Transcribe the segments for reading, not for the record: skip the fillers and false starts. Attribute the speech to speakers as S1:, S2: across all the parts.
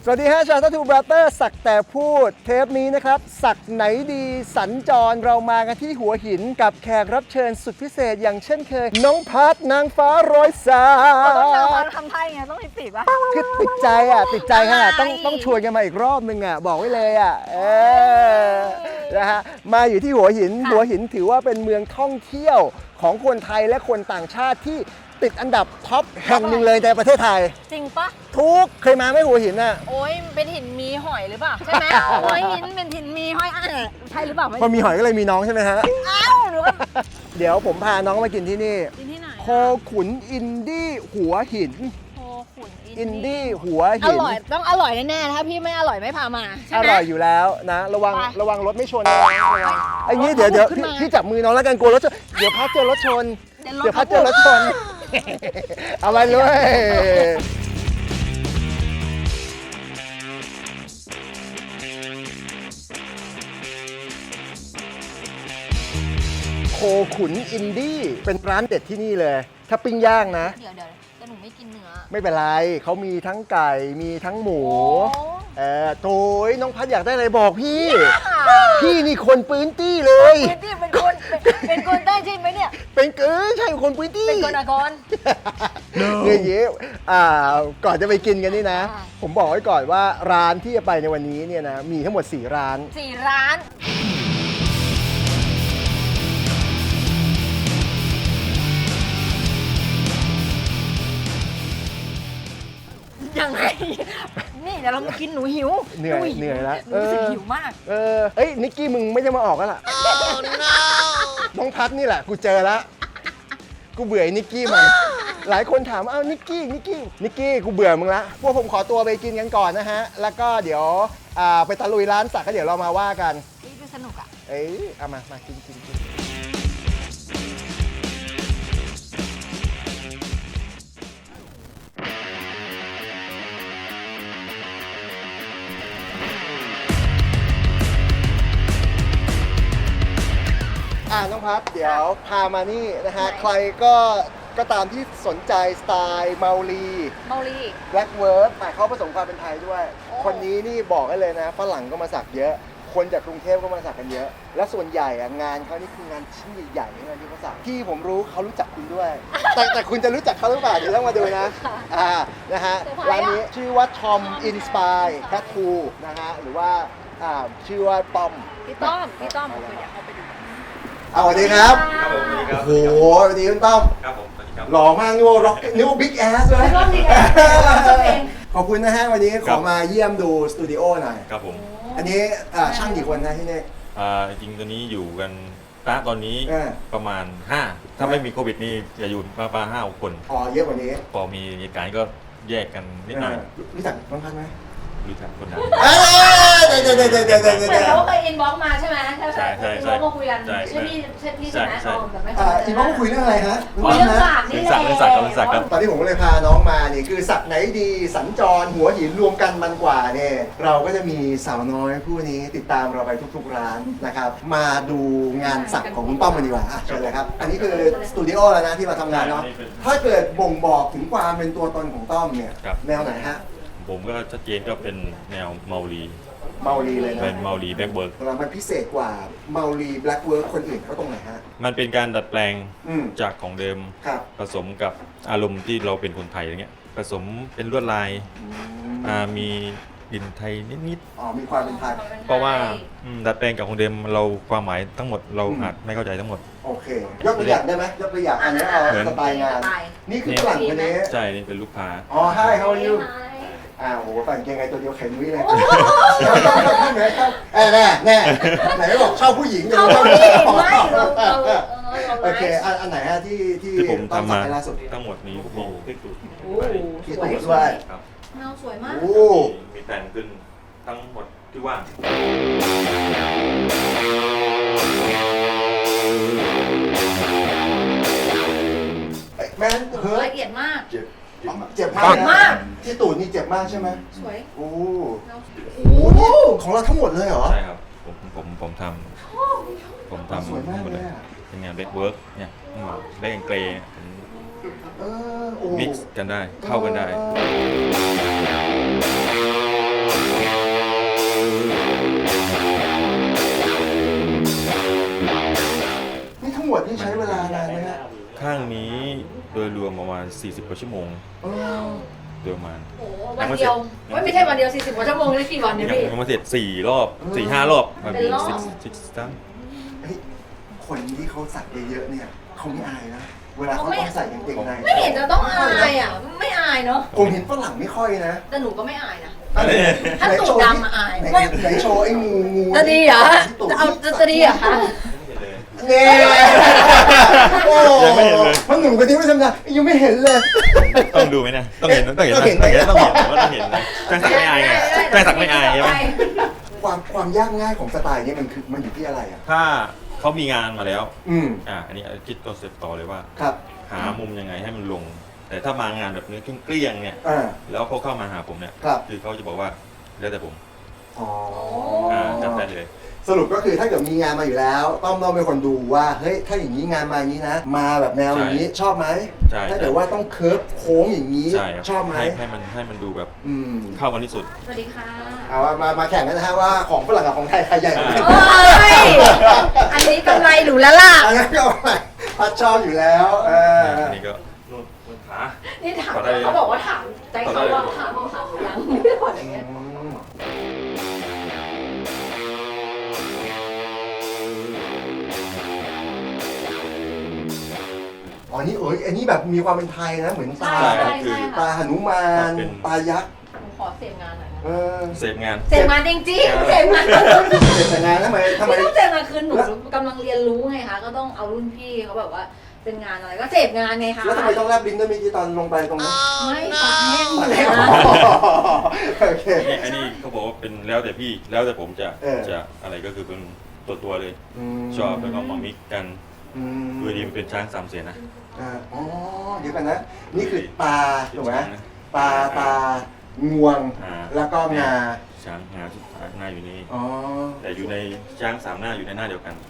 S1: วัสดีฮะชาวทัตทูบราเตอร์สักแต่พูดเทปนี้นะครับสักไหนดีสัญจรเรามากันที่หัวหินกับแขกรับเชิญสุดพิเศษอย่างเช่นเคยน้องพัดนางฟ้าร้อยสา
S2: ต้องนางฟ้าทำไทยไงต้องติดป่ะ
S1: คือติดใจขนาดต้องชวนกันมาอีกรอบนึงบอกไว้เลยนะฮะมาอยู่ที่หัวหินถือว่าเป็นเมืองท่องเที่ยวของคนไทยและคนต่างชาติที่ติดอันดับท็อปแห่งหนึ่งเลยในประเทศไทย
S2: จริงปะ
S1: ทุกเคยมาไหมหัวหินน่ะ
S2: โอ้ยเป็นหินมีหอยหรือเปล่าใช่ไหมหัวหินเป็นหินมีหอยใช่หรือเปล่า
S1: พอมีหอยก็เลยมีน้องใช่ไหมฮะ
S2: อ้าวหรือว่า
S1: เดี๋ยวผมพาน้องมากินที่นี่
S2: กินที่ไหน
S1: โคขุนอินดี้หัวหิน
S2: โคขุน
S1: อินดี้หัว
S2: หินอร่อยต้องอร่อยแน่ๆถ้าพี่ไม่อร่อยไม่พามาใช่ไหม
S1: อร่อยอยู่แล้วนะระวังรถไม่ชนไอ้นี้เดี๋ยวพี่จับมือน้องแล้วกันกลัวรถชนเดี๋ยวพัดเจอรถชนพัดเจอรถชนเอาไปเลยโคขุนอินดี้เป็นร้านเด็ดที่นี่เลยถ้าปิ้งย่างนะ
S2: เดี๋ยวแต่หนูไม่กินเนื้อ
S1: ไม่เป็นไรเขามีทั้งไก่มีทั้งหมูโถยน้องพัดอยากได้อะไรบอกพี่นี่คนปืนตี้เลย
S2: ปืนตี้เป็นคนได้ใช่ไหมเนี่ย
S1: เป็นใช่คนปืนตี้
S2: เป็นคนนคร
S1: เนี่ยเยก่อนจะไปกินกันนี่นะผมบอกไว้ก่อนว่าร้านที่จะไปในวันนี้เนี่ยนะมีทั้งหมด4 ร้าน
S2: ยังไงนี่เดี๋ยวเรามากินหนูหิว
S1: เหนื่อยแล้ว
S2: รู้สึกหิวมาก
S1: นิกกี้มึงไม่ได้มาออกแล้วล่ะน้องพัดนี่แหละกูเจอแล้วกูเบื่อนิกกี้มันหลายคนถามนิกกี้กูเบื่อมึงละพวกผมขอตัวไปกินกันก่อนนะฮะแล้วก็เดี๋ยวไปตะลุยร้านสักก็เดี๋ยวเรามาว่ากัน
S2: นี่คือสนุกอ่ะ
S1: เอามากินน้องพัดเดี๋ยวพามานี่นะฮะใครก็ตามที่สนใจสไตล์เมาลีแบล็กเวิร์ดเขาผสมความเป็นไทยด้วยคนนี้นี่บอกให้เลยนะฝรั่งก็มาสักเยอะคนจากกรุงเทพก็มาสักกันเยอะและส่วนใหญ่งานเขานี่คืองานชิ้นใหญ่ๆงานที่เขาสักที่ผมรู้เขารู้จักคุณด้วย แต่คุณจะรู้จักเขาหรือเปล่าเดี๋ยวต้องมาดูนะนะฮะร้านนี้ชื่อว่า Tom Inspire Tattoo นะฮะหรือว่าชื่อว่าต้อม
S2: พี่ต้อมผมอยากเข้าไปดู
S1: สวัสดีครับโอ้โหสวัสดีคุณต้อม
S3: ครับผมสวัสดีครับ
S1: หล่อมากนี่ว่าร็อกนี่ว่าบิ๊กแอสเลยขอบคุณนะฮะวันนี้ขอมาเยี่ยมดูสตูดิโอหน่อย
S3: ครับผม
S1: อันนี้ช่างกี่คนนะที่นี่
S3: จริงตัวนี้อยู่กันตอนนี้ประมาณ5ถ้าไม่มีโควิดนี่จะอยู่ประมาณ5 คน
S1: เยอะกว่านี้
S3: พอมีเหตุการณ์ก็แยกกันนิดหน่อย
S1: รู้จักน้องพัดไหม
S3: รู้จักคนนั้น
S2: เหมือนเขาเคยอินบ็อกมาใช่ไหม
S3: ใช่
S2: อินบ็อกมาคุยกันใช่พี่ใช่ไหมแต่ไม่เคย
S1: อินบ็อกคุยเรื่องอะไรฮะ
S2: คุยเรื่องสักนี่แหละ
S1: ตอนที่ผมก็เลยพาน้องมานี่คือสักไหนดีสัญจรหัวหินรวมกันมันกว่าเนี่ยเราก็จะมีสาวน้อยผู้นี้ติดตามเราไปทุกๆร้านนะครับมาดูงานสักของคุณต้อมกันดีกว่าเชิญเลยครับอันนี้คือสตูดิโอแล้วนะที่มาทำงานเนาะถ้าเกิดบ่งบอกถึงความเป็นตัวตนของต้อมเนี่ยแนวไหนฮะ
S3: ผมก็ชัดเจนก็เป็นแนวเมาลี
S1: เลยนะ
S3: เป็นเมาลีแบล็กเวิร์ก
S1: แล้วมันพิเศษกว่าเมาลีแบล็กเวิร์กคนอื่นเขาตรงไหนฮะ
S3: มันเป็นการดัดแปลงจากของเดิมผสมกับอารมณ์ที่เราเป็นคนไทยอย่างเงี้ยผสมเป็นลวดลายมีดินไทยนิด
S1: มีความเป็นไทย
S3: เพราะว่าดัดแปลงกับของเดิมเราความหมายทั้งหมดเราอาจไม่เข้าใจทั้งหมด
S1: โอเคยกตัวอย่างได้ไหมยกตัวอย่างอันนี้เอาสไตล์งานนี่คือฝรั่งคนนี้
S3: ใช่นี่เป็นลูกค้า
S1: Hi how are youโหฝั่งเกงไงตัวเดียวแข็งนุ้ยเลยแน่ไหนบอกชอบผู้หญิง
S2: ชอบผู้หญิงไม่
S1: โอเคอันไหนฮะที่
S3: ผมทำมาทั้งหมดนี้มีที่ตูด
S1: ที่ตูดด้วย
S2: เงาสวยมาก
S3: มีแต่งขึ้นทั้งหมดที่ว่าง
S1: แม่
S2: ละเอียดมาก
S1: เจ็บมากที่ตูดนี่เจ็บมากใช่ไหม
S2: สวย
S1: โอ้นี่ของเราทั้งหมดเลยเหรอ
S3: ใช่ครับผมทำ
S1: สวยมากเลย
S3: เป็นงานแบ็คเวิร์กเนี่ยแบ็คแอนเกรย์มิกซ์กันได้เข้ากันได้ยรวมประมาณ40 กว่าชั่วโมง
S1: เออ
S3: โดยประมาณ
S2: โอ้โหวันเดียวไม่ใช่วันเดียว40 กว่าชั่วโมงนี่กี่วันเนี่ยพี่
S3: ยังมาเสร็จ4 รอบ 4-5 รอบมัน
S2: เป็นรอบ
S3: สิบตั้ง
S1: เฮ้ยคนที่เขาสักเยอะๆเนี่ยเขาไม่อายนะเวลาเขาต้องใส่กางเกงใน
S2: ไม่เห็นจะต้องอายอ่ะไม่อายเนาะ
S1: ผมเห็นฝรั่งไม่ค่อยนะ
S2: แต่หนูก็ไม่อายนะ
S3: อะไร
S2: ถ้าตูดดำอะอาย
S1: ไหนโชว์ไอ้งู
S2: จะดีเหรอจะดีเหรอคะ
S1: เนี่ยโอ้
S3: ยังไม่เห็นเลย
S1: เพราะหนุ่มคนนี้ไม่ทำงานยังไม่เห็นเลย
S3: ต้องดูไหมเนี่ยต้องเห็นต้องเห็นว่าต้องเห็นนะจ้างสักไม่อายไงจ้างสักไม่อายใช่ไหม
S1: ความยากง่ายของสไตล์นี้มันอยู่ที่อะไรอ่ะ
S3: ถ้าเขามีงานมาแล้ว อันนี้คิดตัวเสร็จต่อเลยว่า
S1: ครับ
S3: หามุมยังไงให้มันลง แต่ถ้ามางานแบบเนื้อเกลี้ยงๆเนี่ย แล้วเขาเข้ามาหาผมเนี่ย
S1: ครับ
S3: คือเขาจะบอกว่าแล้วแต่ผม
S1: อ๋อ
S3: จัดได้เลย
S1: สรุปก็คือถ้าเกิดมีงานมาอยู่แล้วต้องเป็นคนดูว่าเฮ้ยถ้าอย่างนี้งานมาอย่างนี้นะ มาแบบแนวอย่างนี้ชอบไหม
S3: ใช่
S1: ถ้าเกิดว่าต้องเคิร์ฟโค้งอย่างนี้
S3: ใช่ครับ
S1: ชอบไหม
S3: ให้มันดูแบบ
S1: อืม
S3: เข้ากันที่สุด
S2: สวัสดีค่ะ
S1: เอามาแข่งกันนะฮะว่าของฝรั่งกับของไทยใครใหญ่กว่ากัน
S2: โอ้ยอันนี้กำไรหนูแล้วล่ะ
S1: อันนั้นก็ไม่พัดชอบอยู่แล้ว
S3: อันนี้ก็นู่นขา
S2: นี่ถามเขาบอกว่าถามใจเขาว่าถามหรือยังไม่ได้บอกอย่างเงี้ย
S1: อ๋อนี่อันนี้แบบมีความเป็นไทยนะเหมือนตา
S2: ใช่
S3: คือ
S1: ตาหนุมานตายักษ์
S2: หนูขอเสพงานหน่อยนะ
S3: เสพงาน
S2: เสพงานจริงๆเสพงาน
S1: แต่งานทำไม
S2: ไม่ต้องเสพงานคือหนูกำลังเรียนรู้ไงคะก็ต้องเอารุ่นพี่เขาแบบว่าเป็นงานอะไรก็เสพงานไงคะ
S1: แล้วทำไมต้องแลบลิ้นด้วยเมื่อกี้ตอนลงไปตรงนั้น
S2: ไม่ปากแห้งหม
S1: ตอ
S2: ด
S1: นแร
S2: แล้
S1: ก
S2: ว
S1: โอเค
S3: เนี่ยอันนี้เขาบอกว่าเป็นแล้วแต่พี่แล้วแต่ผมจะ
S1: เออ
S3: จะอะไรก็คือเป็นตัวเลย
S1: ม
S3: ชอบแล้วก็มามิกกัน
S1: อืม
S3: คือดีมันเป็นช้าง3 เสียนนะ
S1: อ๋อเดี๋ยวกันนะ นี่คือตาถูกไหม
S3: ช้างนะ
S1: ตางวง แล้วก็งา
S3: ช้างงาสุดท้ายหน้าอยู่นี่
S1: อ๋อ
S3: แต่อยู่ในช้าง3 หน้าอยู่ในหน้าเดียวกัน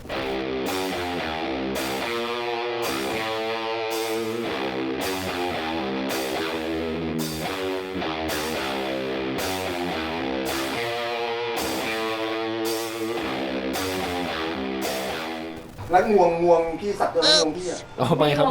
S1: แล้วงวงพี่สักตัวงวงพี่อ่ะ
S4: อ๋อไม่ครับ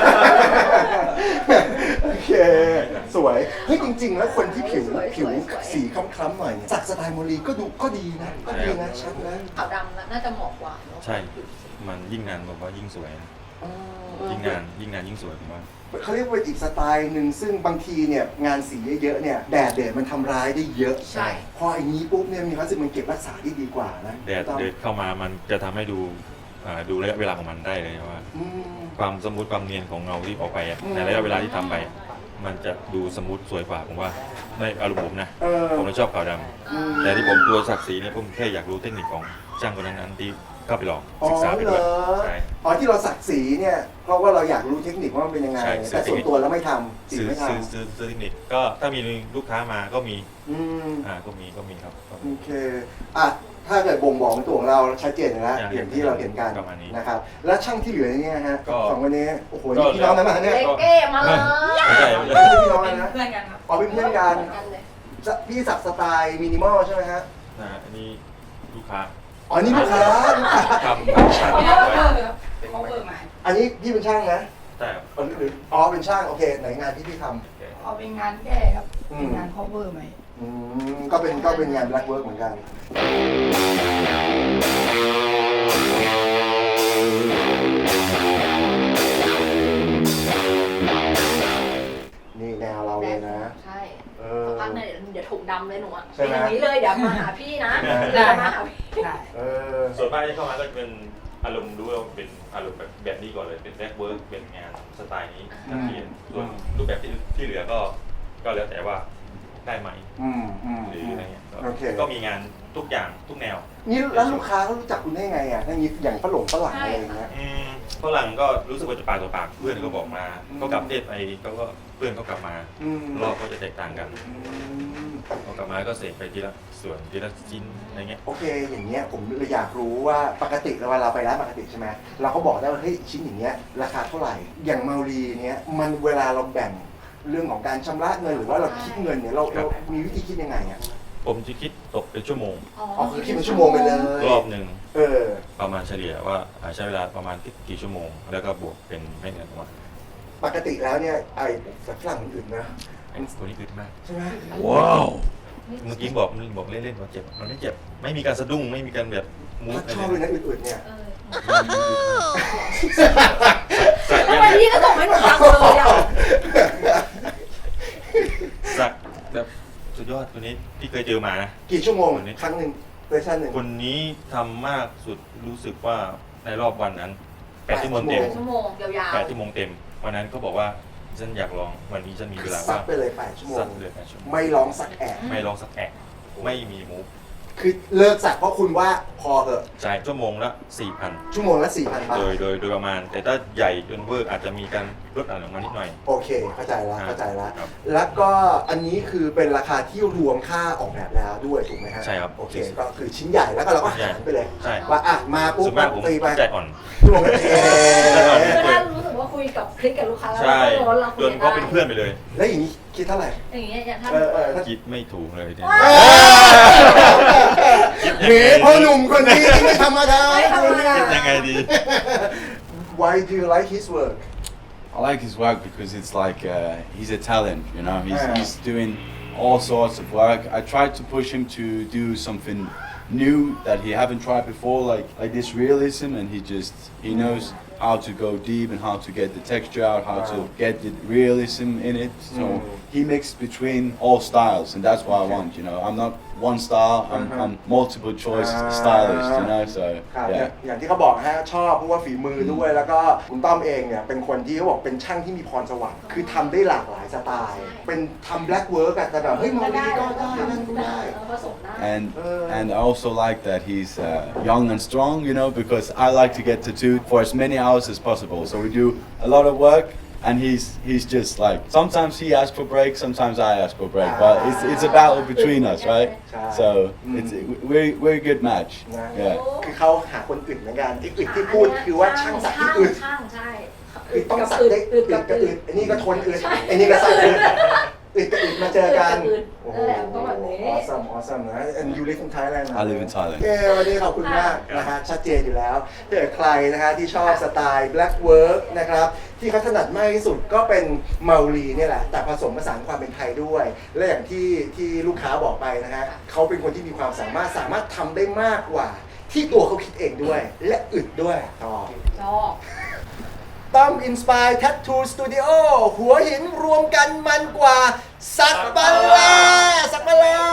S1: โอเค สวย เฮ้ยจริง ๆ แล้วคนที่ผิวสีคล้ำๆหน่อยเนี่ยสักสไตล์โมลีก็ดูก็ดีนะก็ดีนะชัดนะ
S2: ขาวดำน่าจะเหมาะกว่าเนอะ
S3: ใช่ มันยิ่งนานบอกว่ายิ่งสวยนะ
S1: อ๋อ
S3: ยิ่งนานยิ่งสวยผมว่า
S1: เขาเรียกว่าอีกสไตล์หนึ่งซึ่งบางทีเนี่ยงานสีเยอะๆเนี่ยแดดมันทำร้ายได้เยอะ
S2: ใช่
S1: พออย่างนี้ปุ๊บเนี่ยมีความรู้สึกมันเก็บรักษาได้ดีกว่านะ
S3: แดดเดินเข้ามามันจะทำให้ดูระยะเวลาของมันได้เลยว่า
S1: อืม
S3: ความสมูทความเนียนของเงาที่ออกไปอะในระยะเวลาที่ทำไปอะมันจะดูสมูทสวยกว่าผมว่าในอารมณ์ผมนะ ผมเลยชอบขาวดำแต่ที่ผมตัวสักสีเนี่ยผมแค่อยากรู้เทคนิคของช่างคนนั้นๆที่เข้าไปลอง
S1: อ๋อ
S3: ศึกษาไป
S1: เหร
S3: ด้วย
S1: อ
S3: ใช่
S1: อ๋อที่เราสักสีเนี่ยเพราะว่าเราอยากรู้เทคนิคว่ามันเป็นยังไง
S3: ใช่
S1: แต่ส่วนตัวเราไม่ทำสี
S3: ซื้อ
S1: ไม่ท
S3: ซื้อเทคนิคก็ถ้ามีลูกค้ามาก็มี
S1: ำอืม
S3: ก็มีครับ
S1: โอเคอ่ะถ้าเกิดบ่งบอกตัวของเราชัดเจนอยู่แล้ว
S3: อย่าง
S1: อย่างที่เราเห็นกัน
S3: ประมาณนี้
S1: นะครับแล้วช่างที่เหลือเนี่ยฮะ
S3: ก็
S1: สองคนนี้โอ้โห
S3: ก็
S1: นี่พี่น้องกันมาเนี่ย
S2: เล็กเก้มาเลย
S3: ไม่ใช่
S1: ไม่ใช่พี่น้องกันนะ
S2: เพื่อนกันครับ
S1: อ๋อเป็นเพื่อนกัน
S2: กันเลย
S1: พี่สักสไตล์มินิมอลใช่ไหมฮะ
S3: อันนี้ลูกค้า
S1: อ๋อนี่ลูกค้า
S3: ทำช่างไว้
S2: เขาเปิดมา
S1: อันนี้พี่เป็นช่างนะ
S3: ใช่ครับ
S1: อ๋อเป็นช่างโอเคไหนงานที่พี่ท
S5: เอาเป็นงานแก้ครับ
S1: อืม
S5: เป็นงาน cover ใหม่
S1: ำก็เป็นงาน black work เหมือนกัน นี่แนวเราเลยนะ
S2: ใช่
S1: เออ
S2: พักหน่อยเดี๋ยวถูกดำเลยหนูอ่ะ
S1: ใช่
S2: เป็น
S1: ไหม
S2: อย่างนี้เลยเดี๋ยวมาหาพี่นะ
S5: ได้
S2: เดี๋ยวมาหาพี่
S5: ได้
S1: เออ
S3: ส่วนมากที่เข้ามาก็จะเป็นอารมณ์ดูว่าเป็นอารมณ์แบบนี้ก่อนเลยเป็นแบ็กเวิร์กเป็นงานสไตล์นี้นักเรียนส่วนรูปแบบที่เหลือก็แล้วแต่ว่าได้ไหม
S1: อืม
S3: หรืออะไรเงี้ย
S1: โอเค
S3: ก็มีงานทุกอย่างทุกแนว
S1: นี่แล้วลูกค้าเขารู้จักคุณได้ไงอ่ะถ้าอย่างฝรั่งอะไรอย่างเงี้ย
S3: ฝรั่งก็รู้สึกว่าจะปากต่อปากเพื่อนก็บอกมาก็กลับประเทศไปเขาก็เพื่อนก็กลับมา
S1: อืม
S3: รอบก็จะแตกต่างกันพอกลับมาก็เสกไปทีละส่วนทีละชิ้นอะไรเงี้ย
S1: โอเค อย่างเงี้ยผมเลยอยากรู้ว่าปกติเวลาเราไปร้านปกติใช่ไหมเราก็บอกได้ว่าเฮ้ยชิ้นอย่างเงี้ยราคาเท่าไหร่ อย่างเมารีเนี้ยมันเวลาเราแบ่งเรื่องของการชำระเงินหรือว่าเราคิดเงินเนี่ยเรามีวิธีคิดยังไงอ่ะ
S3: ผมจะคิดตกเป็นชั่วโมง
S1: อ๋อคือคิดเป็นชั่วโมงไปเลย
S3: รอบหนึ่ง
S1: เออ
S3: ประมาณเฉลี่ยว่าใช้เวลาประมาณกี่ชั่วโมง แล้วก็บวกเป็นไม่เกินประมาณ
S1: ปกติแล้วเนี่ยไอ้ฝรั่งมันอื่นนะ
S3: ไอ้ตัวนี้อึดมาก
S1: ใช่ไหม
S3: ว้าวเมื่อกี้บอกเล่นๆว่าเจ็บมันไม่เจ็บไม่มีการสะดุ้งไม่มีการแบบมูฟ
S1: ชอบเลยนะอื่นๆเนี่ย
S2: ทำไมพี่ก็ส่งให้หนูฟังเลยอ่ะ
S3: สักแบบสุดยอดตัวนี้พี่เคยเจอมานะ
S1: กี่ชั่วโมงครั้งหนึ่งเวอร์ชันหนึ่ง
S3: คนนี้ทำมากสุดรู้สึกว่าในรอบวันนั้น8 ชั่วโมงเต็ม
S2: ชั่วโมงยาวๆ
S3: 8 ชั่วโมงเต็มวันนั้นก็บอกว่าฉันอยากลองวันนี้ฉันมีเวลา
S1: ซั
S3: ว่า
S1: ด
S3: ง
S1: ไปเลย8 ชั่วโม
S3: สั
S1: ง
S3: กเลย8 ชั่วโมง
S1: ไม่ร้องสักแอะ
S3: ไม่ลองสักแอะไม่มีมูฟ
S1: คือเลิกสักเพราะคุณว่าพอเถอะ
S3: จ่ายชั่วโมงละ 4,000
S1: ชั่วโมงละ 4,000 บาท
S3: โดยประมาณ แต่ถ้าใหญ่จนเวอร์อาจจะมีการลดอะไรลงมานิดหน่อย
S1: โอเคเข้าใจแล้วเข้าใจแล้ว
S3: ครับ
S1: แล้วก็อันนี้คือเป็นราคาที่รวมค่าออกแบบแล้วด้วยถูกไหมฮะ
S3: ใช่ครับ
S1: โอเคก็คือชิ้นใหญ่แล้วก็เราก็หารไปเลย
S3: ใช่
S1: ว่าอ่ะมาปุ๊บ
S3: ส่วนมากผม
S1: ตีไป
S3: ใจอ่อน
S1: รวมกันเอง
S2: ก็ได้รู้สึกว่าคุยกับคลิกกับลูกค้าแล้ว
S3: ใช่
S2: ก็ร้อนเราคุ
S3: จ
S2: ย
S3: น
S2: กัน
S3: เขาเป็น
S2: ได้
S3: เพื่อนไปเลย
S1: แล้วอย่างนี้คิดเท่าไหร่
S2: อย่างเงี้ยถ้า
S1: ถ้า
S3: คิดไม่ถูกเลยเนี่ย
S1: เฮ้พ่อหนุ่มคนนี้ไม่ธรรมดา
S3: คิดยังไงดี
S1: Why do you like his work
S4: I like his work because it's like he's a talent, you know.
S1: Yeah.
S4: He's doing all sorts of work. I tried to push him to do something new that he haven't tried before, like this realism, and he knows how to go deep and how to get the texture out, how to get the realism in it. So he mixed between all styles, and that's what I want, you know. I'm not one style. I'm multiple choice stylist, you know. So
S1: ครับ
S4: yeah.
S1: อย่างที่เขาบอกฮะชอบเพราะว่าฝีมือด้วยแล้วก็คุณต้อมเองเนี่ยเป็นคนที่เขาบอกเป็นช่างที่มีพรสวรรค์คือทำได้หลากหลายสไตล์ เป็นทำแบล็กเวิร์กแต่แบบเฮ้ยมองดีก็ได้นั่นก็ได้
S2: ผสมได้
S4: And I also like that he's young and strong, you know, because I like to get tattooed for as many hours as possible. So we do a lot of work, and he's just like sometimes he asks for break, sometimes I ask for break, but it's a battle between us, right? So we're a good match.
S1: นะ
S4: Yeah.
S1: คือเขาหาคนอื่นเหมือนกันที่อื่นที่พูดคือว่าช่างสักที่อื่น
S2: ช่างใช่
S1: คือต้องสักได้อึดกับอึดอันนี้ก็ทนอึดอันนี้ก็สักอึดอึดกับอึดมาเจอกันโอ้โห awesome นะ and you live in Thailand นะ
S4: I live in Thailand.
S1: วันนี้ขอบคุณมากนะฮะชัดเจนอยู่แล้วถ้าเกิดใครนะฮะที่ชอบสไตล์ black work นะครับที่เขาถนัดมากที่สุดก็เป็นเมาลีเนี่ยแหละแต่ผสมผสานความเป็นไทยด้วย และอย่างที่ลูกค้าบอกไปนะฮะเขาเป็นคนที่มีความสามารถทำได้มากกว่าที่ตัวเขาคิดเองด้วย และอึดด้วยต่อ
S2: ชอบ
S1: ต้อมอินสปายแทททูสตูดิโอหัวหินรวมกันมันกว่าสักบาลาสักบาลา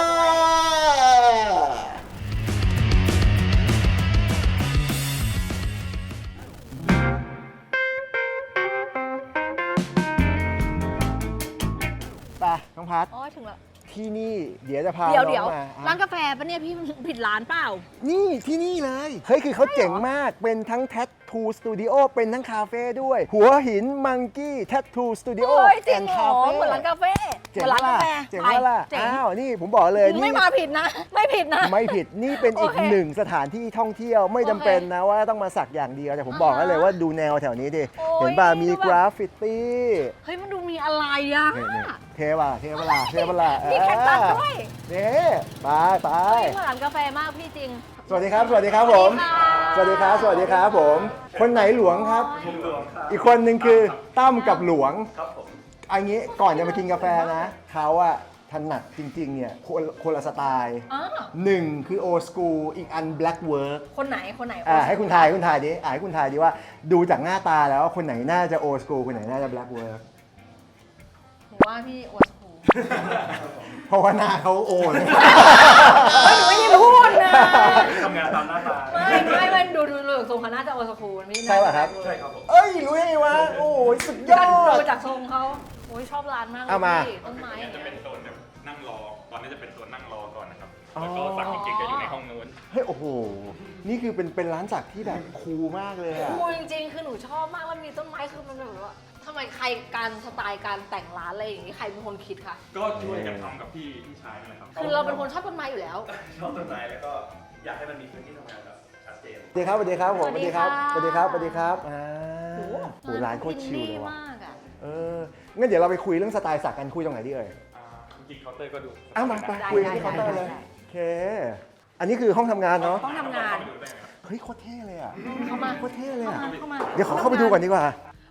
S1: ไปน้องพัท
S6: อ๋อถึงแล้ว
S1: ที่นี่เดี๋ยวจะพา
S6: เดี๋ยว
S1: น้องมา
S6: ร้านกาแฟปะเนี่ยพี่ผิดร้านเปล่า
S1: นี่ที่นี่เลย เฮ้ย คือเขาเจ๋งมาก เป็นทั้งแท t ทูสตูดิโอเป็นทั้งคาเฟ่ด้วย หัวหินมังกี้แท t ทูสตูดิโอ
S6: โอ้ยจริ
S1: แอง น
S6: เหร
S1: คา
S6: อ
S1: เฟ่
S6: เหมือนร้านกาแฟ
S1: เจ๋ง
S6: เหมือนร้าน
S1: ว่ะ
S6: กาแฟ
S1: เจ๋ง
S6: ไป
S1: ว่าล่ะ
S6: เจ๋ง
S1: อ้าว นี่ผมบอกเลย
S6: ไม่มาผิดนะ ไม่ผิดนะ
S1: ไม่ผิด นี่เป็นอีก
S6: โอเค
S1: หนึ่งสถานที่ท่องเที่ยว ไม่จำเป็นนะว่าต้องมาสักอย่างเดียว แต่ผมบอกให้เลยว่าดูแนวแถวนี้ดิ
S6: โอ้ย
S1: เห็นป่ะ มี
S6: ดูแบบ
S1: กราฟฟิตี้
S6: เฮ้ยมันดูมีอะไรอ่ะ
S1: นี่เทว่ะเทเวลาเทเวลา
S6: มีแคคตัสด้วย
S1: นี่ไปไป
S6: เฮ้ยเหมือนร้านกาแฟมากพี่จริง
S1: สวัสดีครับ สวัสดีครับผม สวัสดีครับ สวัสดีครับผม คนไหนหลวงครับ อีกคนหนึ่งคือตั้มกับหลวงอันนี้ก่อนจะมากินกาแฟนะเขาอะถนัดจริงๆเนี่ยคนละสไตล์
S6: อ๋อ
S1: หนึ่งคือโอ s กูอีกอัน black work
S6: คนไหนคนไหน
S1: ให้คุณทายดิให้คุณทายดิว่าดูจากหน้าตาแล้วคนไหนน่าจะโอ s กูคนไหนน่าจะ black work
S6: ผมว่าพี่โอสคู
S1: เพราะว่าหน้าเขาโอเลย
S6: หนูไม่ได้พูดนะ
S7: ทำงานตามหน้าตา
S6: ไม่ดูทรงเขาน่าจะโอสคูมันไม่
S1: ใช่ป่ะครับ
S7: ใช่ครับผม
S1: เอ้ยรู้ได้ไงวะโอ้ยสุดยอ
S6: ดู
S1: ด
S6: จากทรงเขาโอ้ยชอบร้านมากเลย
S1: เอามา
S6: พี่ต้นไม้อย่าง
S7: จะ
S6: เงี้ย
S7: เป็นโซนแบบนั่งรอ ตอนนี้จะเป็นโซนนั่งรอก่อนนะครับ
S1: อ๋อ
S7: แล้วก็สักจริงๆจะอยู่ในห้องนู้น
S1: เฮ้ยโอ้โห นี่คือเป็นร้านสักที่แบบคูลมากเลยอะ
S6: คูลจริงๆ คือหนูชอบมากแล้วมีต้นไม้คือมันแบบว่าทำไมใครการสไตล์การแต่งร้านอะไรอย่างนี้ใครเป็นคนคิดคะ
S7: ก็ช่วยกันทำกับพี่ชายนั่นแหละครับ
S6: คือเราเป็นคนชอบต้นไม้อยู่แล้ว
S7: ชอบต้นไม้แล้วก็อยากให้มันมีพื้นที่ทำงานแบบชัดเจน
S1: สวัสดีครับสวัสดีครับผม
S6: สวัสดีค่ะ
S1: สวัสดีครับสวัสดีครับอ่า
S6: โอ้
S1: โหร้านโคตรชิลเลยว่ะ
S6: มากอ่ะ
S1: งั้นเดี๋ยวเราไปคุยเรื่องสไตล์สักกันคุยตรงไหนดีเอ่ย
S7: จริงๆเคาน์เตอร์ก็ดู
S1: อ้าวมาไป
S6: ได้
S1: คุยกันที่เคาน์เตอร์เลย โอเค อันนี้คือห้องทำงานเนาะ
S6: ต้องทำงาน
S1: เฮ้ยโคตรเท่เลยอะ
S6: เข้ามา
S1: โคตรเท่เลยอะ
S6: เข้ามา
S1: เดี๋ยวขอเข้าไปดูก่อนดีกว่า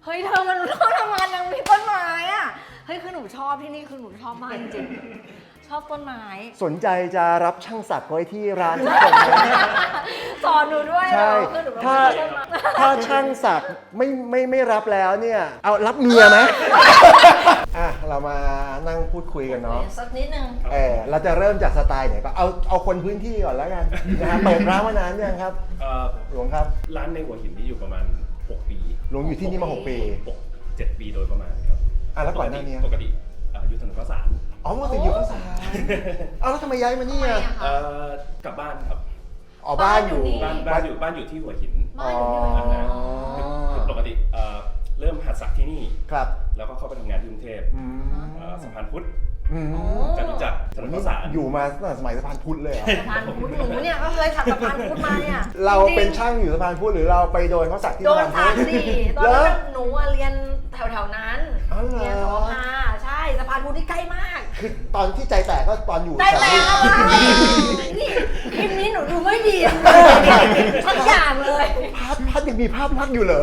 S6: เฮ้ยเธอมันต้องทำงานยังมีต้นไม้อ่ะเฮ้ยคือหนูชอบที่นี่คือหนูชอบมากจริงๆชอบต้นไม้
S1: สนใจจะรับช่างศักดิ์ไว้ที่ร้านทุกคนไหม
S6: สอนหนูด้วย
S1: ใช่
S6: เหรอคือหนูเป็น
S1: ถ้า
S6: คนต้นไม้
S1: ถ้าช่างศักดิ์ไม่รับแล้วเนี่ยเอารับเมียไหม อ่ะเรามานั่งพูดคุยกันเนาะ
S6: สักนิดนึง
S1: เราจะเริ่มจากสไตล์ไหนก็เอาคนพื้นที่ก่อนแล้วกันนะฮะเปิดร้านมานานยังครับ หลวงครับ
S7: ร้านในหัวหินนี่อยู่ประมาณ 6 ปี
S1: หลวงอยู่ที่นี่มา6 ปี
S7: 7 ปีโดยประมาณครับ
S1: แล้วก่อนหน้านี้
S7: ปกติอยู่ถนนข้าวสาร
S1: อ๋อมาถึงอยู่ข้าวสารแล้วทำไมย้ายมานี่อ่ะ
S7: กลับบ้านครับ
S1: อ๋อบ้านอยู่
S7: บ้านอยู่ที่หัวหิน
S6: บ้านอยู่ที่ไหน
S7: คือปกติเริ่มหัดสักที่นี่
S1: ครับ
S7: แล้วก็เข้าไปทำงานที่กรุงเทพ
S1: อืม
S7: สะพานพุทธ
S1: อืม
S7: จตุจักรถนนข้าวสาร
S1: อยู่มาตั้งแต่สมัยสะพานพุทธเลยเหรอ
S6: สะพานพุทธหนูเนี่ยก็เคยถักสะพานพุทธมาเนี่ย
S1: เราเป็นช่างอยู่สะพานพุทธหรือเราไปโดนเขาสักที่
S6: โด
S1: สะ
S6: น
S1: พาน
S6: สั
S1: พุทธ
S6: กสิตอน
S1: เหร
S6: นั้
S1: อน
S6: หนูอะเรียนแถวๆนั้น
S1: อ๋อเหรอ
S6: เรียนสวภาใช่สะพานพุทธที่ใกล้มาก
S1: คือตอนที่ใจแตกก็ตอนอยู่
S6: ได้
S1: สะ
S6: แล้
S1: พาน
S6: ว
S1: พุทธ
S6: นี่คลิปนี้หนูดูไม่ดีเลยทักอย่างเลย
S1: พัดยังมีภาพลักษณ์อยู่เหรอ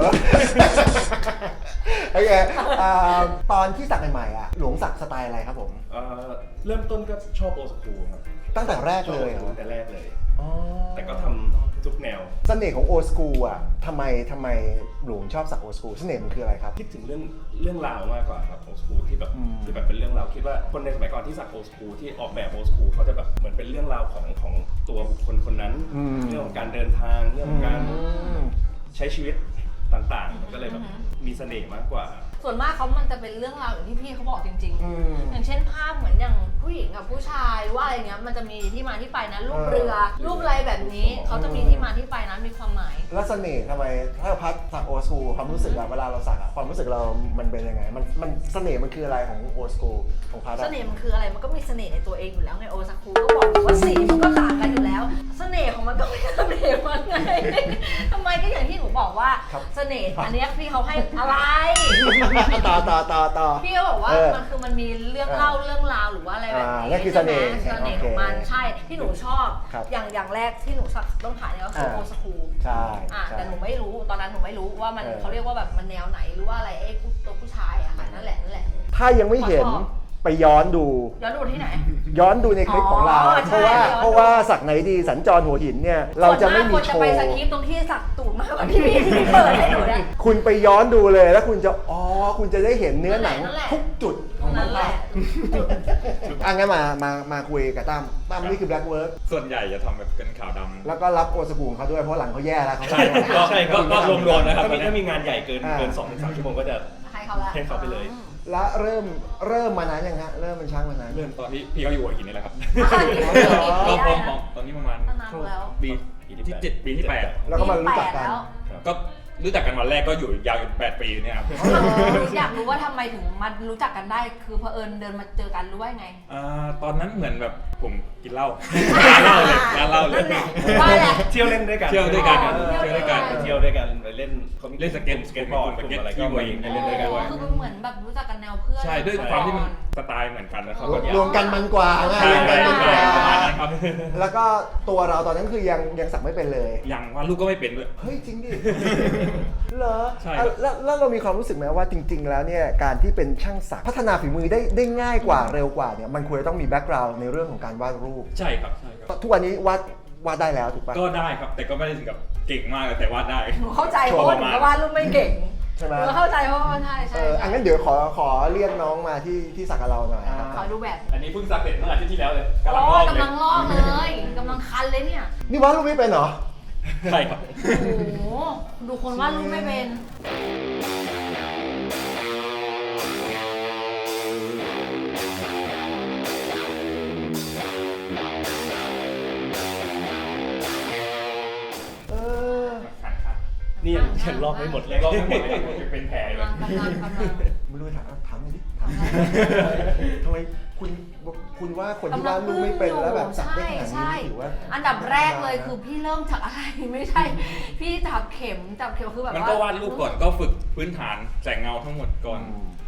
S1: โอเคตอนที่สักใหม่ๆอ่ะหลวงสักสไตล์อะไรครับผม
S7: เริ่มต้นก็ชอบโอสคูครับ
S1: ตั้งแต่แรกเลยเหร
S7: ชอบ
S1: อ
S7: ตั้งแต่แรกเลย
S1: อ๋อ
S7: แต่ก็ทำทุกแนว
S1: เสน่ห์ของโอสกูอ่ะทำไมหลวงชอบสักโอสกูเสน่ห์มันคืออะไรครับ
S7: คิดถึงเรื่องราวมากกว่าครับโอสคูที่แบบ
S1: อืม
S7: ที่แบบเป็นเรื่องราวคิดว่าคนในสมัยก่อนที่สักโอสคูที่ออกแบบโอสคูเขาจะแบบเหมือนเป็นเรื่องราวของตัวบุคคลคนนั้น เรื่องของการเดินทางเรื่องของการใช้ชีวิตต่างๆมันก็เลยแบบมีเสน่ห์มากกว่า
S6: ส่วนมากมันจะเป็นเรื่องราวอย่างที่พี่เขาบอกจริง
S1: อืม
S6: ๆ อย่างเช่นภาพเหมือนอย่างผู้หญิงกับผู้ชายว่าอะไรเงี้ยมันจะมีที่มาที่ไปนะรูปเรือ รูปอะไรแบบนี้เขาจะมีที่มาที่ไปนะมีความหมาย
S1: แล้วเสน่ห์ทำไมถ้าพัดสักโอสกูความรู้สึกอะเวลาเราสักอะความรู้สึกเรามันเป็นยังไงมันเสน่ห์มันคืออะไรของโอสกูของพัด
S6: เส
S1: อะ
S6: น่ห์มันคืออะไรมันก็มีเสน่ห์ในตัวเองอยู่แล้วไงโอซากุก็บอกอยู่ว่าสีมันก็ต่างกันอยู่แล้ว เสน่ห์ของมันก็ไม่เสน่ห์มันไง ทำไมก็อย่างที่หนูบอกว่าเสน่ห์อันเนี้ยพี่เขาให้อะไร
S1: ต่อ
S6: พี่ก็บอกว่ามันมีเรื่องเล่าเรื่องราวหรือว่าอะไรแบบนี้
S1: นั่นคือเสน่ห์
S6: ใช่ไหมเสน่ห์ของมันใช่ที่หนูชอบ
S1: ครับ
S6: อย่างแรกที่หนูต้องถ่ายเนี่ยก็คือโอซากุ
S1: ใช่
S6: แต่หนูไม่รู้ตอนนั้นหนูไม่รู้ว่ามัน
S1: เออ
S6: เขาเรียกว่าแบบมันแนวไหนหรือว่าอะไรไอ้ตัวผู้ชายอะค่ะนั่นแหละ
S1: ถ้ายังไม่เห็น
S6: ขอชอบ
S1: ไปย้อนดู
S6: ย้อนดูที่ไหน
S1: ย้อนดูในคลิปของเรา
S6: อ๋อใช่
S1: เพราะว่าสักไหนดีสัญจรหัวหินเนี่ยเราจะไม่มี
S6: ส่วนากคน
S1: โช
S6: จะไป
S1: ว์
S6: สคริปต์ตรงที่สักตูดมากกว่าที่พี่เปิดให้หนูเนี่ย
S1: คุณไปย้อนดูเลยแล้วคุณจะคุณจะได้เห็นเนื้อหนัง
S6: นั่นแหละ
S1: ทุกจุดของมัน
S6: นั่นแหละ
S1: งั้นมาคุยกับตั้มนี่คือ Black Work
S8: ส่วนใหญ่จะทำแบบเป็นขาวดำ
S1: แล้วก็รับโอสกูของเขาด้วยเพราะหลังเขาแย่แล้วเขา
S8: ใช่ก็รวมๆนะครับ
S7: ถ้ามีงานใหญ่เกิน 2-3 ชั่วโมงก็จะ
S6: ให้เขาละ
S7: ให้เขาไปเลย
S1: แล้วเริ่มมานานยังฮะเริ่มเป็นช่างมานาน
S8: เริ่มตอนที่พี่เขาอยู่หัวหินนี่แหละครับ
S6: ก็พร้อม
S8: ตอนนี้ประมาณ
S6: นานแล้ว
S8: ปีที่7ปีที่8
S1: แล้วก็มารู้จักกัน
S8: ก็รู้จักกันวันแรกก็อยู่ยาวจน8 ปีเนี่ยครับ
S6: อยากรู้ว่าทำไมถึงมารู้จักกันได้คือเผอิญเดินมาเจอกันหรือว่าไง
S8: ตอนนั้นเหมือนแบบผมกินเหล้าร้านเหล้าเลย
S6: นั่นแหละว่าแหละ
S7: เที่ยวเล่นด้วยกัน
S8: เที่ยวด้วยกัน
S7: ไปเที่ยวด้วยกันไปเล่น
S8: เล่นสเก็ตบอร์ด
S7: กลุ่มอะไรก็ไปเล่นด้วยกัน
S6: คือมันเหมือนแบบรู้จักกันแนวเพื่อน
S8: ใช่ด้วยความที่มันสไตล์เหมือนกันแล้วเขาก็
S1: รวมกันมันกว่าไง
S8: ใช่
S1: รวมกันมันกว่า
S8: ประมาณนั้นครับ
S1: แล้วก็ตัวเราตอนนั้นคือยังสักไม่เป็นเลย
S8: ยังว่าลูกก็ไม่เป็นด้วย
S1: เฮ้ยจริงดิ เหรอ
S8: ใช่ครับ
S1: แล้วเรามีความรู้สึกไหมว่าจริง ๆ แล้วเนี่ยการที่เป็นช่างสักพัฒนาฝีมือได้ง่ายกว่าเร็วกว่าเนี่ยมันควรจะต้องมีแบ็กกราวด์ในเรื่องของการวาดรูป
S8: ใช่ครับ
S1: ทุกวันนี้วาดได้แล้วถูกปะ
S8: ก็ได้ครับ แต่ก็ไม่ได้ถึงกับเก่งมากแต่วาดได้
S6: หนูเข้าใจเพราะว่าหนูก็วาดรูปไม่เก่ง
S1: ใช่ไหม
S6: หนูเข้าใจเพราะว่าใช่
S1: งั้นเดี๋ยวขอเรียกน้องมาที่สักกับเราหน่อยครับ
S6: ขอดูแบบ
S8: อันนี้เพิ่งสักเสร็จเมื่ออาทิตย์ที่แล้วเลย
S6: โอ้
S8: ลอก
S6: กำลังลอกเลยกำลังคันเลยเนี่ย
S1: นี่วาดรูปไม่เป็นเหรอ
S8: ใช่ครับ
S6: โอ้โหดูคนวาดรูปไม่เป็น
S1: เออ
S7: นี่ยังลอกไม่หมดเลย
S8: ลอกไม่หมดเลยเป็นแผลเลย
S6: กำลัง
S1: ไม่รู้ถามหน่อยดิทำไมคุณว่าคนที่วาดรูปไม่เป็นแล้วแบบสักได้ขนาดนี้ถือว่า
S6: อันดับแรกเลยคือพี่เริ่มจากอะไรไม่ใช่ พี่จับเข็มคือแบบ
S8: มัน
S6: ว่า
S8: ก็วาดรูปก่อนก็ฝึกพื้นฐานแสงเงาทั้งหมดก่อน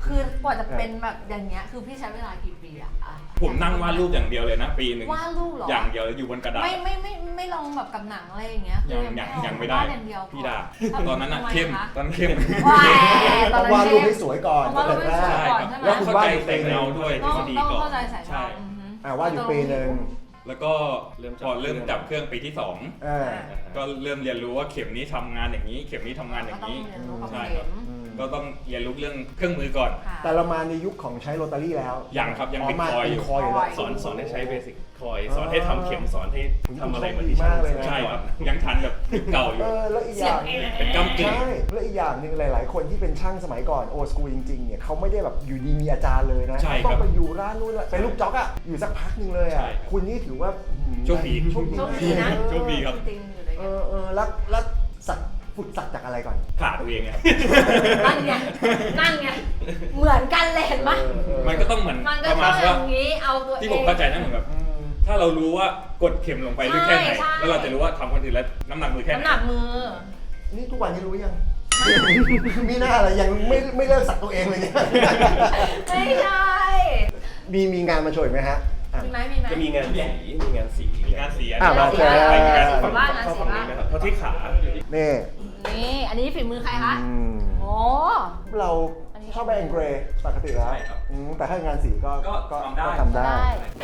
S6: คือกว่าจะเป็นแบบอย่างเงี้ยคือพี่ใช้เวลากี่ปีอะ
S8: ผมนั่งวาดรูปอย่างเดียวเลยนะปีหนึ่ง
S6: วาดรูปเหรอ
S8: อย่างเดียวเลยอยู่บนกระดาษ
S6: ไม่ลองแบบกับหนังอะไรอย่างเงี้ย
S8: ยังไม่ได้
S6: วาอย่างเดียว
S8: พี่ดา
S6: พอ
S8: ตอนนั้นอะ
S6: ทำไม
S8: เข้ม
S6: คะ
S8: ตอนเข้ม
S6: ว้ายต
S1: ต้
S6: อ
S1: อน ง
S6: นั้น
S1: วาดรูป
S6: เข้
S1: ให้
S6: ม
S1: สวยก่อน
S6: วาดรูปให้สวย
S8: ใช่
S6: ก่อน
S8: ครับ
S6: ใช่ไหม
S8: แล้วเข้าใจแสงเงาด้วยทฤษฎี
S6: ต้อง
S8: ก่อน
S6: เข้าใจสาย
S8: ใช่
S6: ตาอือฮึ
S1: วาดอยู่ปีหนึ่ง
S8: แล้วก็พอเริ่มจับเครื่องปีที่
S1: อ่า
S8: 2 ก็เริ่มเรียนรู้ว่าเข็มนี้ทำงานอย่างนี้ เข็มนี้ทำงานอย่างนี้
S6: ก็ต้องเรียนรู้กับ
S8: ใช่
S6: เข็
S8: ครับ
S6: ม
S8: ก็ต้องเรียนรู้เรื่องเครื่องมือก่อน
S6: ค่ะ
S1: แต่เรามาในยุคของใช้โรตารี่แล้ว
S8: ยังครับยังเป็น
S1: มา
S8: คอยอยู่
S1: เป็นคอยอยู่แล้ว
S7: สอนให้ใช้เบสิกคอยสอนให้ทำเข็มสอนให้ทำอะไรเหมือน
S1: ดี
S7: ที่
S1: มากเลยนะ
S8: ใช่ครับยังทันแบบยุคเก่าอยู่
S1: แล้วอีกอย่าง
S8: เป็นกำกึ่ง
S1: ใช่แล้วอีกอย่างหนึ่งหลาย ๆ คนที่เป็นช่างสมัยก่อนโอสกูจริง ๆ เนี่ยเขาไม่ได้แบบอยู่ดีมีอาจารย์เลยนะ
S8: ใช่
S1: ต้อ
S8: ครั
S1: ง
S8: บ
S1: ไปอยู่ร้านนู้นเป็นลูกจ๊อกอะอยู่สักพักหนึ่งเลยอะ
S8: ใช่
S1: คุณนี่ถือว่า
S8: โชคดี
S1: โชคดี
S6: โชคดีนะ
S8: โชคดีครับ
S6: จริงๆอยู่ด้วยกัน
S1: แล้วฝึกสักจากอะไรก่อน
S8: ขาตัวเองไงครับ
S6: นั่นไงนั่นไงเหมือนกันเลยเห็นปะ
S8: มันก็ต้องเหมือน
S6: มันก็
S8: ประ
S6: ต้
S8: มา
S6: อ
S8: ณ
S6: งอ
S8: ว่า
S6: ย่างนี้เอาตัวเอง
S8: ที่ผมเข้าใจนะเหมือนแบบถ้าเรารู้ว่ากดเข็มลงไปลึกแค่ไหน
S6: ใช่
S8: แล้วเราจะรู้ว่าทำคนอื่นแล้วน้ำหนักมือแค่ไหน
S6: น้ำหนักมือ
S1: นี่ทุกวันนี้รู้ยัง มีหน้าอะไรยังไม่เลิกสักตัวเองเลยเนี่ย
S6: ไม่ใช่
S1: มีงานมาโชว์อีกไหมฮะอ่ะ
S6: มีไหมมีไหม
S7: จะมีงานสีมีงานสี
S8: งานเสีย
S1: อ่ะมาแชร์
S8: ไปงาน
S6: สี
S8: ฝั่ง
S6: บ้าง
S7: เข้าฝั่งนี้ไหมครับเข้าที่ขา
S1: นี่
S6: นี่ อันนี้ฝีมือใครคะ
S1: อืม
S6: โอ้
S1: เราชอบแบงเกรย์ปกติแล้วแต่ถ้างานสีก็
S8: ก็ทำได้
S1: ทำได้
S6: ได้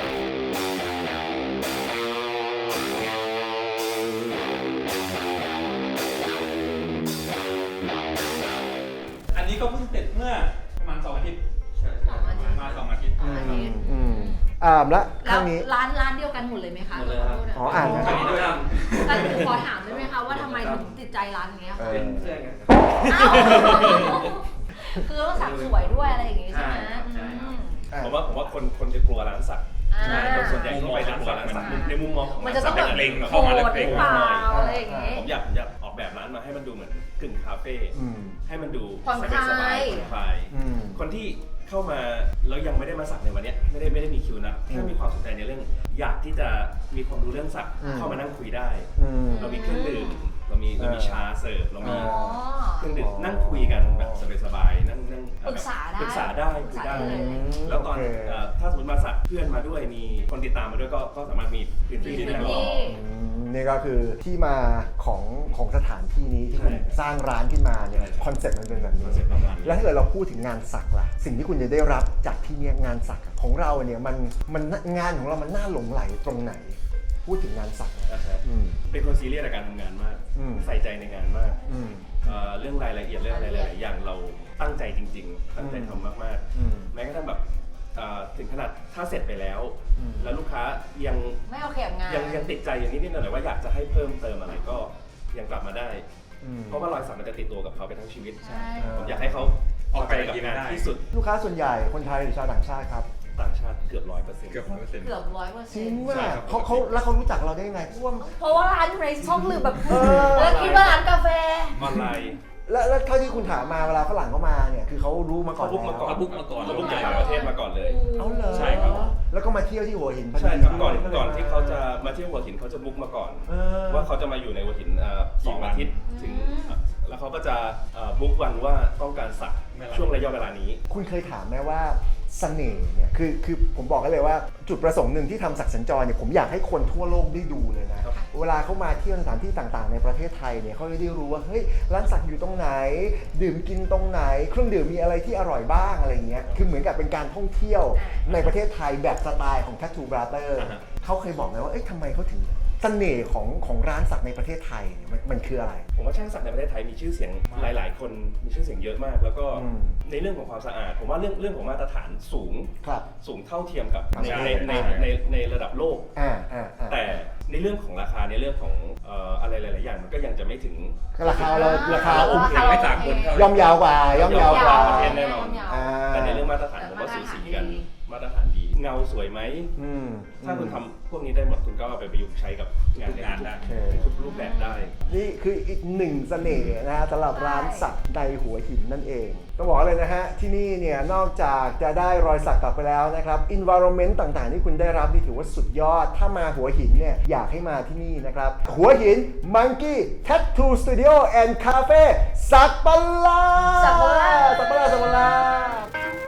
S8: อันนี้ก็เพิ่งเสร็จเมื่อประมาณ2 อาทิตย์ มา2 อาทิตย์
S6: อันนี้
S1: แล้วค
S6: แล้ว
S1: รั้งนี้
S6: ร้านเดียวกันหมดเลยไหมคะ
S7: หมดเลยครับ
S1: อ๋ออ่านนะ
S8: อันนี้ด้วยครับ
S6: แต่หนูขอถามได้ไหมคะว่าทำไมถึงติดใจร้านนี้คะ
S7: เป็นเพื่อนกัน
S6: อ้าวคือต้องสักสวยด้วยอะไรอย่างงี้ใช่ไหม
S7: ใช่ครับ
S6: อืม
S7: ผมว่าคนจะกลัวร้านสัก
S6: อ่า
S7: ใช่คนส่วนใหญ่ก็ไปร้านสักในมุมมองของ
S6: มันจะต้องแบบ
S7: ร้าสัก
S8: เล็ง
S6: โห
S8: เข้ามาแล้ว
S6: ด
S8: เล็ง
S6: หรือเปล่าอะไรอย่างงี้
S7: ผมอยากออกแบบร้านมาให้มันดูเหมือนกึ่งคาเฟ่
S1: อืม
S7: ให้มันดู
S6: ผ่อนคลาย
S7: สบายๆผ่อนคลาย
S1: อืม
S7: คนที่เข้ามาแล้วยังไม่ได้มาสักในวันเนี้ยไม่ได้มีคิวนะแค่มีความสนใจในเรื่อง อยากที่จะมีความรู้เรื่องสัก
S1: อืม
S7: เข้ามานั่งคุยได้
S1: อืม
S7: เรามีเครื่องดื่มเรามีชาเสิร์ฟเรามี
S6: อ๋อ
S7: เครื่องดื่มนั่งคุยกันแบบสบายๆนั่ง
S6: ปรึกษาได้
S7: ปรึกษาได้คุยได้
S6: ปรึกษาได้เลย
S7: แล้วตอน
S1: โอเค
S7: ถ้าสมมติมาสักเพื่อนมาด้วยมีคนติดตามมาด้วยก็สามารถมีพื้นที่
S6: มี
S7: ที่
S6: พื้น
S7: นั่งรอ
S6: ที่
S1: นี่ก็คือที่มาของสถานที่นี้ที่คุณ
S7: ใช่
S1: สร้างร้านขึ้นมาเนี่ย
S7: ใช่
S1: คอนเซ็ปต์มันเป็นแบบนี้
S7: คอนเซ็ปต์ประมาณนี้
S1: แล้วถ้าเกิดเราพูดถึงงานสักล่ะ สิ่งที่คุณจะได้รับจากที่เนี่ยงานสักของเราเนี่ยมันงานของเรามันน่าหลงไหลตรงไหน พูดถึงงานสักนะ
S7: นะฮะ
S1: อืม
S7: เป็นคนซีเรียสในการทำงานมาก
S1: อืม
S7: ใส่ใจในงานมาก
S1: อืม
S7: เรื่องรายละเอียดเรื่องอะไรหลายๆอย่างเราตั้งใจจริง ๆ ตั้งใจทำมาก
S1: อืม
S7: ๆ แม้กระทั่งแบบถึงขนาดถ้าเสร็จไปแล้ว
S1: อืม
S7: แล้วลูกค้ายัง
S6: ไม่โอเคกับงาน
S7: ยังติดใจอย่างนิดๆหน่อยๆว่าอยากจะให้เพิ่มเติมอะไรก็ยังกลับมาได้
S1: อืม
S7: เพราะว่ารอยสักมันจะติดตัวกับเขาไปทั้งชีวิต
S6: ใช่
S7: ผมอยากให้เขา
S8: ออกไป
S7: กับ
S8: กิน
S7: งาน
S8: ได้
S7: ที่สุด
S1: ลูกค้าส่วนใหญ่คนไทยหรือชาวต่างชาติครับ
S7: ต่างชาติเกือบ100%
S8: เกือบ100%
S6: เกือบ100%
S1: จริง
S7: ใช่
S1: ว่า
S7: ครับ
S1: เขาแล้วเขารู้จักเราได้ยังไงเพราะว่า
S6: เพราะว่าร้านอยู่ในช่องลืมแบบ
S1: เออ
S6: แล้วคิดว่าร้านกาแฟ
S7: ออนไลน์
S1: แล้วเท่าที่คุณถามมาเวลาฝรั่งเข้ามาเนี่ยคือเขารู้มาก่อน
S7: เขาบุ๊กมาก่อน
S1: แล้ว
S8: บุ๊กมาก่อน
S7: เขาบุ๊กจากต่างประเทศมาก่อนเลย
S1: เอาเลย
S7: ใช่ครับ
S1: แล้วก็มาเที่ยวที่หัวหินพอดี
S7: ใช่ครับก่อน
S1: ก็เลย
S7: ก่อนที่เขาจะมาเที่ยวหัวหินเขาจะบุ๊กมาก่อน
S1: เออ
S7: ว่าเขาจะมาอยู่ในหัวหิน2 อาทิตย์ถึง
S6: อืม
S7: แล้วเขาก็จะบุ๊กวันว่าต้องการสักช่วงระยะเวลานี้
S1: คุณเคยถามไหมว่าเสน่ห์เนี่ยคือผมบอกกันเลยว่าจุดประสงค์หนึ่งที่ทำสักสัญจรเนี่ยผมอยากให้คนทั่วโลกได้ดูเลยนะ
S7: ครับ
S1: เวลาเขามาเที่ยวสถานที่ต่างๆ ในประเทศไทยเนี่ยเขาจะได้รู้ว่าเฮ้ยร้านสักอยู่ตรงไหน ดื่มกินตรงไหน เครื่องดื่มมีอะไรที่อร่อยบ้างอะไรเงี้ยคือเหมือนกับเป็นการท่องเที่ยวในประเทศไทยแบบสไตล์ของ Tattoo Brother เขาเคยบอกไหมว่าเอ้ยทำไมเขาถึงเสน่ห์ของร้านสักในประเทศไทยเนี่ยมันคืออะไร
S7: ผมว่าช่างสักในประเทศไทยมีชื่อเสียงหลาย ๆ คนมีชื่อเสียงเยอะมาก แล้วก็
S1: อืม
S7: ในเรื่องของความสะอาด ผมว่าเรื่องของมาตรฐานสูง
S1: ครับ
S7: สูงเท่าเทียมกับ
S1: ใช่
S7: ในระดับโลก
S1: แต่
S7: แต่ในเรื่องของราคาในเรื่องของอะไรหลาย ๆ อย่างมันก็ยังจะไม่ถึง
S1: ราคาเราราคา
S7: โอเค
S8: ไม่ต่างคนเท่าไหร่
S1: ย่อมยาวกว่าย่อมยาวกว่า
S7: ประเทศแน่นอน
S1: อ่า
S7: แต่ในเรื่องมาตรฐานผมว่าสูสีกันมาตรฐานดีเงาสวยไหม
S1: อืม
S7: ถ้าคุณทำพวกนี้ได้หมดคุณก็เอาไปประยุกต์ใช้กับงานได้
S8: งานได้
S7: ทุกรูปแบบได้
S1: นี่คืออีกหนึ่งเสน่ห์นะฮะสำหรับร้านสักในหัวหินนั่นเอง ต้องบอกเลยนะฮะ ที่นี่เนี่ยนอกจากจะได้รอยสักกลับไปแล้วนะครับ environment ต่างๆ ที่คุณได้รับนี่ถือว่าสุดยอด ถ้ามาหัวหินเนี่ยอยากให้มาที่นี่นะครับ หัวหิน Monkey Tattoo Studio and Cafe สักปะลา
S6: สักปะลา
S1: สักปะลา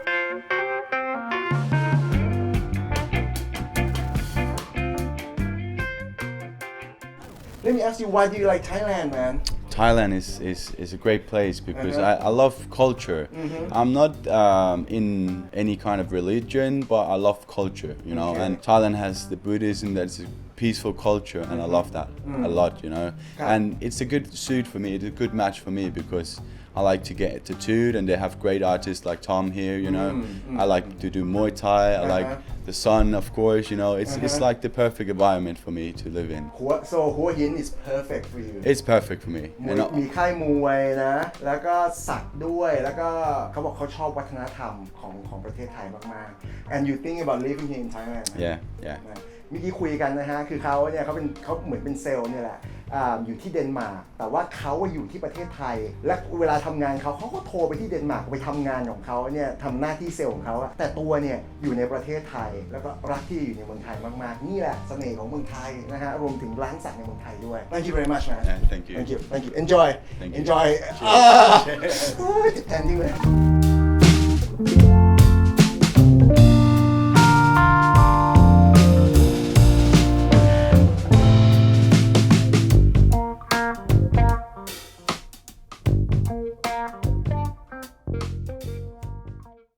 S1: Let me ask you, why do you like Thailand, man?
S4: Thailand is a great place because I love culture. I'm not in any kind of religion, but I love culture, you know. And Thailand has the Buddhism that's a peaceful culture, and I love that a lot, you know. And it's a good suit for me. It's a good match for me because I like to get tattooed, and they have great artists like Tom here, you know. I like to do Muay Thai. I like the sun, of course, you know. It's like the perfect environment for me to live in.
S1: So Hua Hin is perfect for you.
S4: It's perfect for me.
S1: มีค่ายมวยนะ แล้วก็สักด้วย แล้วก็เขาบอกเขาชอบวัฒนธรรมของประเทศไทยมากๆ and you think about living here in Thailand
S4: Yeah, yeah.
S1: เมื่อกี้คุยกันนะฮะ คือเขาเนี่ยเขาเหมือนเป็นเซลล์เนี่ยแหละอยู่ที่เดนมาร์ก แต่ว่าเขาอยู่ที่ประเทศไทย และเวลาทำงานเขาก็โทรไปที่เดนมาร์กไปทำงานของเขาเนี่ยทำหน้าที่เซลล์ของเขาแต่ตัวเนี่ยอยู่ในประเทศไทย แล้วก็รักที่อยู่ในเมืองไทยมากๆ นี่แหละเสน่ห์ของเมืองไทยนะฮะ รวมถึงร้านสักในเมืองไทยด้วย Thank you very much man
S4: Yeah, thank you.
S1: Thank you Thank you Enjoy
S4: Thank you.
S1: Enjoy เจ็บแทนจริงเลย